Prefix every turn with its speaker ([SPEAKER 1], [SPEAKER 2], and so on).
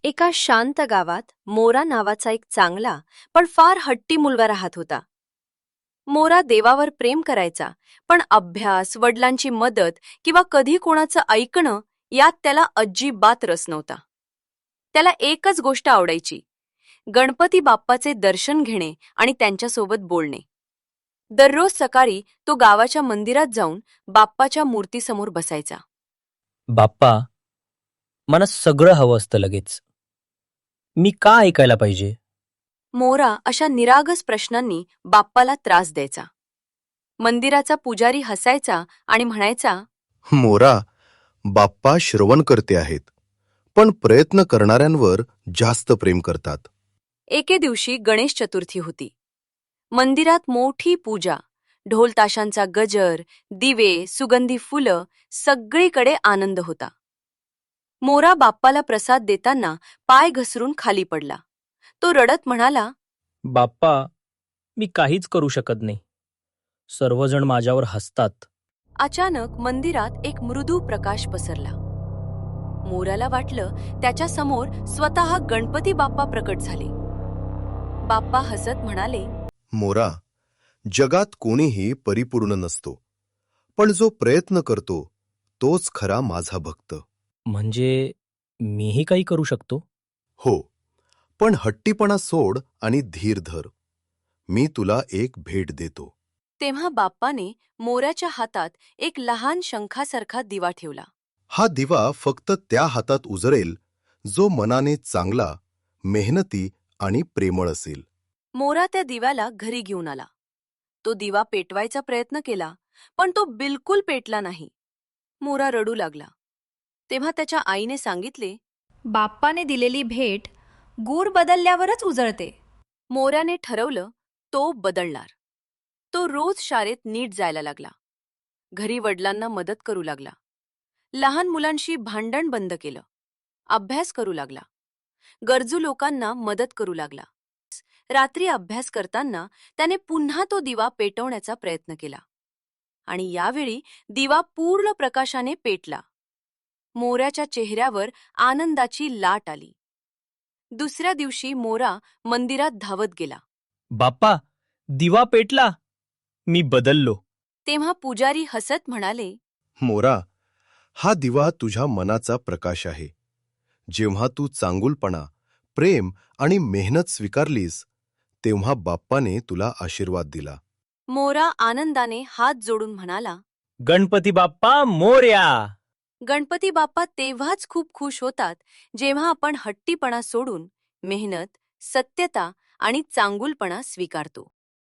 [SPEAKER 1] एका शांत गावात मोरा नावाचा एक चांगला पण फार हट्टी मुलगा राहत होता. मोरा देवावर प्रेम करायचा, पण अभ्यास, वडिलांची मदत किंवा कधी कोणाचं ऐकणं यात त्याला अजिबात रस नव्हता. त्याला एकच गोष्ट आवडायची, गणपती बाप्पाचे दर्शन घेणे आणि त्यांच्यासोबत बोलणे. दररोज सकाळी तो गावाच्या मंदिरात जाऊन बाप्पाच्या मूर्तीसमोर बसायचा.
[SPEAKER 2] बाप्पा, मला सगळं हवं असतं लगेच. मी का ऐकायला पाहिजे?
[SPEAKER 1] मोरा अशा निरागस प्रश्नांनी बाप्पाला त्रास द्यायचा. मंदिराचा पुजारी हसायचा आणि म्हणायचा,
[SPEAKER 3] मोरा, बाप्पा श्रवणकर्ते आहेत, पण प्रयत्न करणाऱ्यांवर जास्त प्रेम करतात.
[SPEAKER 1] एके दिवशी गणेश चतुर्थी होती. मंदिरात मोठी पूजा, ढोल ताशांचा गजर, दिवे, सुगंधी फुलं, सगळीकडे आनंद होता. मोरा बाप्पाला प्रसाद देताना पाय घसरून खाली पडला. तो रडत म्हणाला,
[SPEAKER 2] बाप्पा, मी काहीच करू शकत नाही. सर्वजण माझ्यावर हसतात.
[SPEAKER 1] अचानक मंदिरात एक मृदू प्रकाश पसरला. मोराला वाटलं त्याच्या समोर स्वतः गणपती बाप्पा प्रकट झाले. बाप्पा हसत म्हणाले,
[SPEAKER 3] मोरा, जगात कोणीही परिपूर्ण नसतो, पण जो प्रयत्न करतो तोच खरा माझा भक्त.
[SPEAKER 2] म्हणजे मीही काही करू शकतो?
[SPEAKER 3] हो, पण हट्टीपणा सोड आणि धीर धर. मी तुला एक भेट देतो.
[SPEAKER 1] तेव्हा बाप्पाने मोराच्या हातात एक लहान शंखासारखा दिवा ठेवला.
[SPEAKER 3] हा दिवा फक्त त्या हातात उजळेल जो मनाने चांगला, मेहनती आणि प्रेमळ असेल.
[SPEAKER 1] मोरा त्या दिव्याला घरी घेऊन आला. तो दिवा पेटवायचा प्रयत्न केला, पण तो बिलकुल पेटला नाही. मोरा रडू लागला. तेव्हा त्याच्या आईने सांगितले,
[SPEAKER 4] बाप्पाने दिलेली भेट गूर बदलल्यावरच उजळते.
[SPEAKER 1] मोऱ्याने ठरवलं तो बदलणार. तो रोज शाळेत नीट जायला लागला. घरी वडिलांना मदत करू लागला. लहान मुलांशी भांडण बंद केलं. अभ्यास करू लागला. गरजू लोकांना मदत करू लागला. रात्री अभ्यास करताना त्याने पुन्हा तो दिवा पेटवण्याचा प्रयत्न केला. आणि यावेळी दिवा पूर्ण प्रकाशाने पेटला. मोऱ्याच्या चेहऱ्यावर आनंदाची लाट आली. दुसऱ्या दिवशी मोरा मंदिरात धावत गेला.
[SPEAKER 2] बाप्पा, दिवा पेटला. मी बदललो.
[SPEAKER 1] तेव्हा पुजारी हसत म्हणाले,
[SPEAKER 3] मोरा, हा दिवा तुझ्या मनाचा प्रकाश आहे. जेव्हा तू चांगुलपणा, प्रेम आणि मेहनत स्वीकारलीस, तेव्हा बाप्पाने तुला आशीर्वाद दिला.
[SPEAKER 1] मोरा आनंदाने हात जोडून म्हणाला,
[SPEAKER 2] गणपती बाप्पा मोरया.
[SPEAKER 1] गणपती बाप्पा तेव्हाच खूप खुश होतात जेव्हा आपण हट्टीपणा सोडून मेहनत, सत्यता आणि चांगुलपणा स्वीकारतो.